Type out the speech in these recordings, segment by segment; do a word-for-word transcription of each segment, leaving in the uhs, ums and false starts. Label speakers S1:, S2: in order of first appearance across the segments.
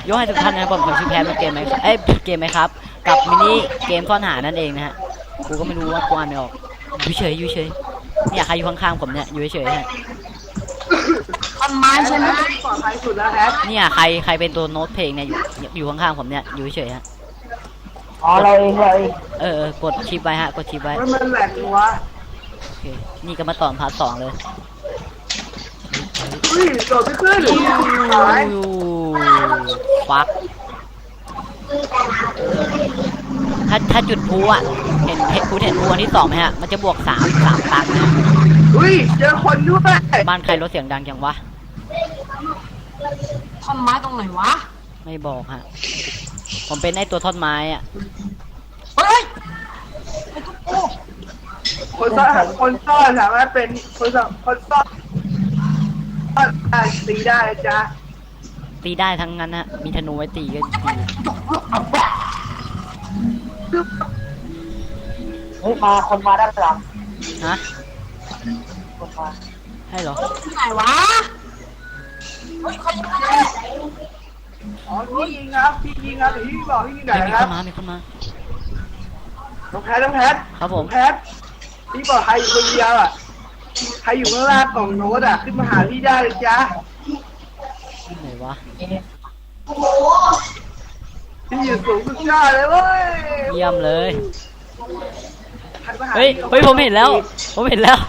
S1: ยกให้ทุกท่านนะครับผมผมชื่อแพทมาเกมไหมเอ้ยเกมไหมครับกับมินิเกมซ่อนหานั่นเองนะฮะกูก็ไม่รู้ว่ากูอ่านไม่ออกอยู่เฉยอยู่เฉยเนี่ยใครอยู่ข้างๆผมเนี่ยอยู่เฉยฮะ
S2: ต้นไม้ใช่ไหม
S3: ปลอดภัยสุดแล้วแฮะ
S1: เนี่ยใครใครเป็นตัวโน้ตเพลงเนี่ยอยู่อยู่ข้างๆผมเนี่ยอยู่เฉยฮะ
S2: อ๋อเราเองเราเอง
S1: เออเออกดชิปไว้ฮะกดชิปไว้
S3: มันแหลกวะ
S1: โอเคนี่ก็มาต่อพาร์ทสองเลย
S3: อุ้ยโดดไม่ขึ้นหาย
S1: ฟักถ้าถ้าจุดพูอ่ะเห็นเห็นพูเห็นพูอันที่สองไหมฮะมันจะบวกสามสามตังค์นะ
S3: อุ้ยเจอคนด้วย
S1: บ้านใครรถเสียงดังจังวะ
S2: ท่อนไม้ตรงไหนวะ
S1: ไม่บอกฮะผมเป็นไอตัวท่อนไม้อ่ะ
S2: เฮ้ยไอ้ตุ๊กโอ้
S3: คนซ่อนคนซ่อนสามารถเป็นคนซ่อนคนซ่อนตีได้จ้ะ
S1: ตีได้ทั้งนั้นฮะมีธนูไว้ตีก็ตี
S2: เฮ้ยมาคนมาด้านหลัง
S1: ฮะ
S2: คนมา
S1: ให้เหรอ
S2: ไหนวะเฮ้ยใครยิงใคร
S3: อ๋อพี่ยิงครับพี่ยิงครับพี่บอกพี่ยิงไหน
S1: มี
S3: ครับ
S1: คนมามีคนมา
S3: น้องแพทน้องแพท
S1: ครับผม
S3: แพทพี่บอกใครอยู่คนเดียวอ่ะใครอยู่ข้างล่างกล่องโน้ตอ่ะขึ้นมาหาพี่ได้เลยจ้ะ
S1: ไหนวะ
S3: พี่อยู่สูงสุดยอดเลยเว้ย
S1: เยี่ยมเลยเฮ้ยเฮ้ยผมเห็นแล้วผมเห็นแล้ว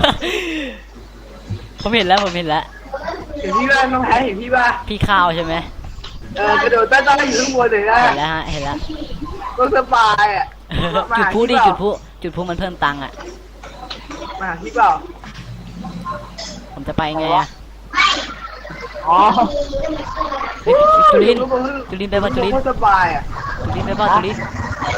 S1: ผมเห็นแล้วผมเห็นแล้ว
S3: เห็นพี่บ้างน้องแพทเห็นพี่บ้าง
S1: พี่ข้าวใช่ไหม
S3: เออกระโดดใต้ต้นอยู่ข้างบนเลยนะ
S1: เห็นแล้วฮะเห็นแล้ว
S3: ก็สบายอ่ะ
S1: จุดพูดิจุดพูจุดพูมันเพิ่มตังค์อ่ะ
S3: มาพี่เปล่า
S1: ผมจะไปไงอ่ะ
S3: อ๋อ
S1: จุลินจุลินไปป่ะจุลิน
S3: สบายอ่ะ
S1: จุลินไปป่ะจุลิน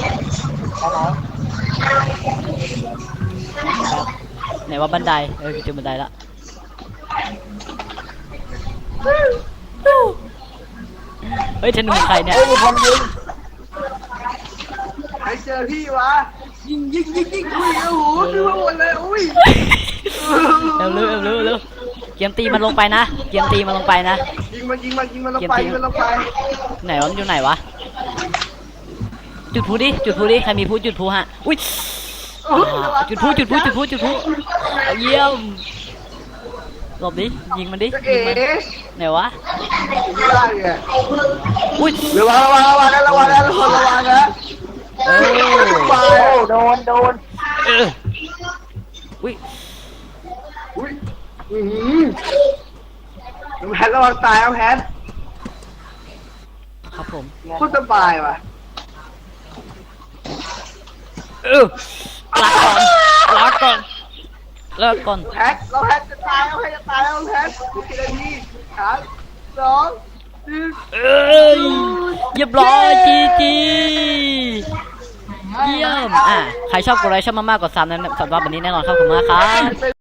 S1: ไหนว่าบันไดเออเจอบันไดละเฮ้ยธนูใครเนี่ย
S3: ใครเจอพี่วะยิงยิงยิงยิงอุ้ยโอ้โหขึ้นมาหมดเลยอุ้ย
S1: เร็วเร็วเร็วเร็วเกียมตีมันลงไปนะเกียมตีมันลงไปนะ
S3: ยิงมันยิงมันยิงมันลงไปยิงมันลงไป
S1: ไหนวะมันอยู่ไหนวะจุดพูดิจุดพูดิใครมีพูจุดพูฮะอุ้ยจุดพูจุดพูจุดพูจุดพูเยี่ยมหลบดิยิงมันดิยิงมันไหนวะ
S3: อุ้ยระวังระวังระวังนะระวังนะระวังระวังนะ
S1: เอ
S2: อโดนโดน
S1: เอออุ้ย
S3: อุ้ยอืมน้องแพทระวังตายน้องแพท
S1: ครับผม
S3: พูดสบายว่ะ
S1: เออลาก่อนลาก่อนเลิกก่อน
S3: แพทเราแพทจะตายเราแพทจะตายแล้วแพทกี่นาทีสามสอง
S1: เอ้ยเรียบร้อยจีจีเยี่ยมอ่ะใครชอบกดไลค์ชอบมากๆกดซับนะสำหรับวันนี้แน่นอนครับขอบคุณมากครับ